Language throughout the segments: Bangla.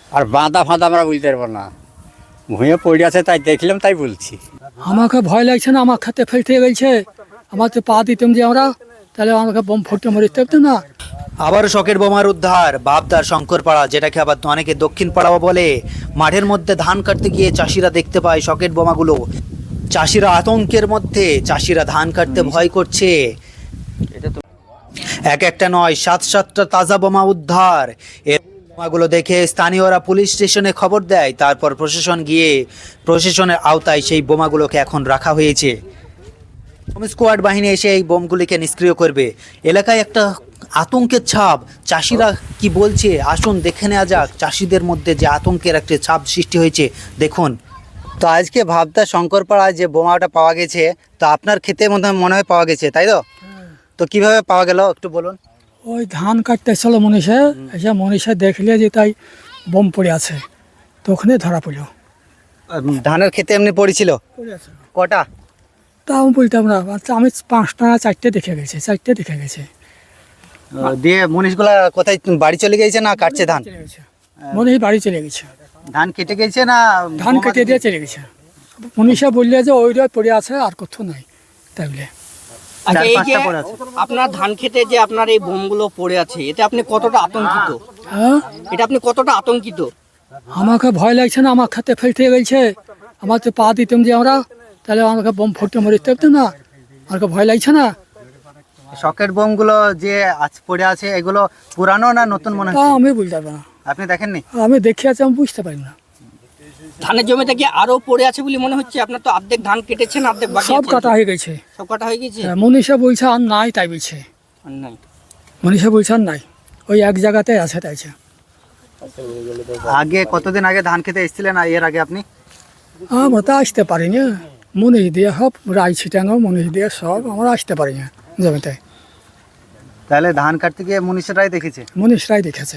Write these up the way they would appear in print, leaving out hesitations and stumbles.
আর বাঁধা ফাঁদা আমরা বুঝতে পারবো না, ভুঁয়ে পড়ে আছে তাই দেখলাম তাই বলছি। আমাকে ভয় লাগছে না, আমার খাতে ফেলতে গেছে, আমার তো পা দিতাম যে আমরা, তাহলে আমাকে বোম ফুটতে মরে থাকতো না। আবারও শকের বোমার উদ্ধার বাবদার শঙ্করপাড়া, যেটাকে আবার অনেকে দক্ষিণ পাড়াও বলে। মাঠের মধ্যে ধান কাটতে গিয়ে চাষিরা দেখতে পায় শকের বোমাগুলো। চাষিরা আতঙ্কের মধ্যে, চাষিরা ধান কাটতে ভয় করছে। এক একটা নয়, 7-7টা তাজা বোমা উদ্ধার। এর বোমাগুলো দেখে স্থানীয়রা পুলিশ স্টেশনে খবর দেয়। তারপর প্রশাসন গিয়ে প্রশাসনের আওতায় সেই বোমাগুলোকে এখন রাখা হয়েছে। হোম স্কোয়াড বাহিনী এসে এই বোমগুলিকে নিষ্ক্রিয় করবে। এলাকায় একটা আতঙ্কের ছাপ। চাষিরা কি বলছে আসুন দেখে নেওয়া যাক। চাষিদের মধ্যে যে আতঙ্কের একটা ছাপ সৃষ্টি হয়েছে দেখুন। তো আজকে ভাবতা শঙ্করপাড়ায় যে বোমাটা পাওয়া গেছে, তো আপনার ক্ষেতের মধ্যে মনে হয় পাওয়া গেছে, তাই তো? তো কিভাবে পাওয়া গেল একটু বলুন। ওই ধান কাটতে এসেছিল মনীষা, এসে মনীষা দেখলে যে তাই বোম পড়ে আছে, তো ওখানে ধরা পড়লো। ধানের ক্ষেতে এমনি পড়েছিল কটা? তাও বলতাম না, আচ্ছা আমি 5টা না 4টে দেখে গেছে, 4টে দেখে গেছে। দিয়ে মনীষগুলা কোথায় বাড়ি চলে গেছে না কাটছে ধান? মনীষ বাড়ি চলে গেছে, ধান কেটে গেছে না ধান কেটে দিয়ে চলে গেছে। মনীষা বললে যে ওইটা পড়ে আছে আর কোথাও নাই, তাই বলে। আচ্ছা, এই যে 4-5টা পড়ে আছে। আপনার ধান খেতে যে আপনার এই বোমগুলো পড়ে আছে, এতে আপনি কতটা আতঙ্কিত? হ্যাঁ, এটা আপনি কতটা আতঙ্কিত? আমাকে ভয় লাগছে না, আমার খাতে ফেলতে গেছে, আমার তো পা দিতাম যে আমরা, তাহলে আমাকে বোম ফুটতে মরে থাকতো না। আমাকে ভয় লাগছে না। শকের বোমগুলো যে আজ পড়ে আছে এগুলো পুরানো না নতুন মনে তা হচ্ছে? আমি বলতে পারবো না, আপনি দেখেননি? আমি দেখে আছি, আমি বুঝতে পারি না। ধানের জমিতে কি আরো পড়ে আছে বলে মনে হচ্ছে? আপনার তো অর্ধেক ধান কেটেছেন, অর্ধেক বাকি সব আছে। কাটা হয়ে গেছে। সব কাটা হয়ে গেছে? মনীষা বলছে আর নাই, তাই বলছে। আর নাই। মনীষা বলছে আর নাই, ওই এক জায়গাতে আছে, তাইছে। আগে কতদিন আগে ধান খেতে এসেছিলেন এর আগে আপনি? আমরা তো আসতে পারি না, মনীষ দিয়ে সব রাই ছিটানো, মনীষ দিয়ে সব আমরা আসতে পারি না জমিতে। তাহলে ধান কাটতে গিয়ে মনীষরাই দেখেছে? মনীষরাই দেখেছে।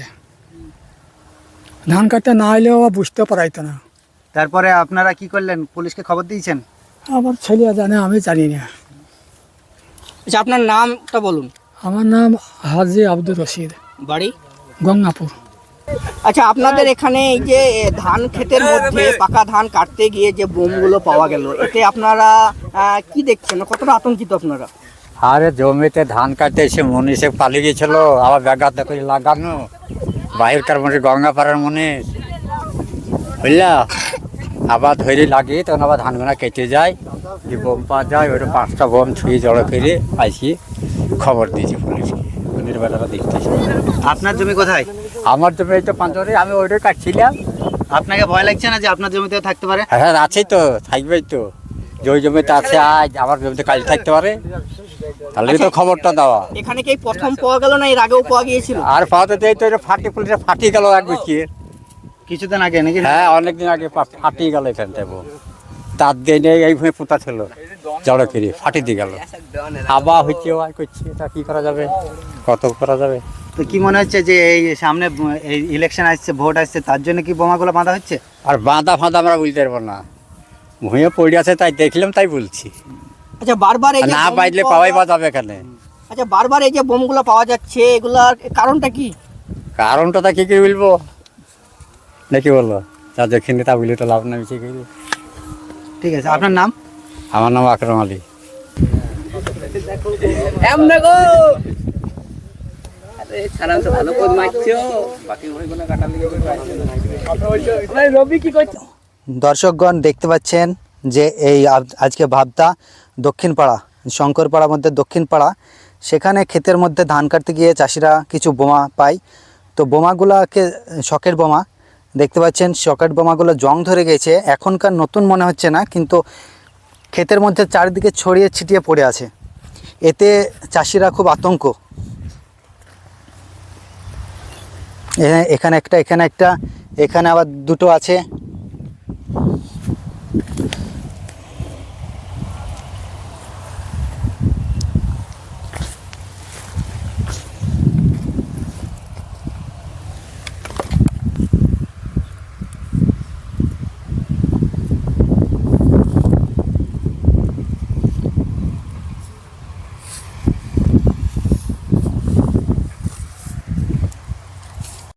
ধান কাটতে না এলেও বুঝতে পারাইতো না। তারপরে আপনারা কি করলেন, পুলিশকে খবর দিয়েছেন? আমার ছেলে জানে, আমি জানি না। আচ্ছা, আপনার নামটা বলুন। আমার নাম হাজি আব্দুর রশিদ, বাড়ি? গঙ্গাপুর। আচ্ছা, আপনাদের এখানে এই যে ধান ক্ষেতের মধ্যে পাকা ধান কাটতে গিয়ে যে বোমগুলো পাওয়া গেল, এতে আপনারা কি দেখছেন? কতটা আতঙ্কিত আপনারা? আরে জমিতে ধান কাটতে এসে মনীষে পালিয়ে গেছিল, আবার ব্যাঘাত করে লাগানো বাহিরকার মনে গঙ্গাপাড়ার মনে বুঝলা, আবার ধরে লাগিয়ে তখন আবার ধানগুলা কেটে যায়, যে বোম পাওয়া যায় ওইটা 5টা বোম ছুঁয়ে জড়ো করে আসি খবর দিয়েছি পুলিশকে। পুলিশ বেলাটা দেখতেছি। আপনার জমি কোথায়? আমার জমি এই তো পাঁচরে, আমি ওইটাই কাটছিলাম। আপনাকে ভয় লাগছে না যে আপনার জমিতেও থাকতে পারে? হ্যাঁ আছেই তো, থাকবেই তো। যে ওই জমিতে আছে আজ, আমার জমিতে কাল থাকতে পারে, তাহলে তো খবরটা দেওয়া। এখানে কি এই প্রথম পাওয়া গেল না এর আগেও পাওয়া গিয়েছিল? আর পাওয়াতে দেয় তো, এটা ফাটি পুলিশে ফাটিয়ে গেল এক বছর। কিছুদিন আগে নাকি? হ্যাঁ অনেকদিন আগে ফাটিয়ে গেল এখান থেকে। তার দিনে এইভাবে পোতা ছিল, জড়ো করে ফাটিয়ে দিয়ে গেল। আবার হচ্ছে আর করছে, তা কি করা যাবে, কত করা যাবে। তো কি মনে হচ্ছে যে এই সামনে এই ইলেকশন আসছে, ভোট আসছে, তার জন্য কি বোমাগুলো বাঁধা হচ্ছে? আর বাঁধা ফাঁদা আমরা বুঝতে পারবো না, ভুঁয়ে পড়ে আছে তাই দেখলাম তাই বলছি। আচ্ছা, বারবার এই যে না বোম বাজলে পাওয়া পাওয়াই যায়- বা যাবে এখানে। আচ্ছা, বারবার এই যে বোমগুলো পাওয়া যাচ্ছে, এগুলার কারণটা কি? কারণটা তা কি করে বলবো, নাকি বলবো, যা দেখেনি তা বলি তো লাভ নাই। ঠিক আছে, আপনার নাম? আমার নাম আকরাম আলী। দর্শকগণ দেখতে পাচ্ছেন যে এই আজকে ভাবতা দক্ষিণপাড়া, শঙ্করপাড়ার মধ্যে দক্ষিণপাড়া, সেখানে ক্ষেতের মধ্যে ধান কাটতে গিয়ে চাষিরা কিছু বোমা পায়। তো বোমাগুলোকে শকের বোমা দেখতে পাচ্ছেন, শকের বোমাগুলো জং ধরে গেছে, এখনকার নতুন মনে হচ্ছে না, কিন্তু ক্ষেতের মধ্যে চারিদিকে ছড়িয়ে ছিটিয়ে পড়ে আছে। এতে চাষিরা খুব আতঙ্ক। এখানে একটা, এখানে একটা, এখানে আবার দুটো আছে।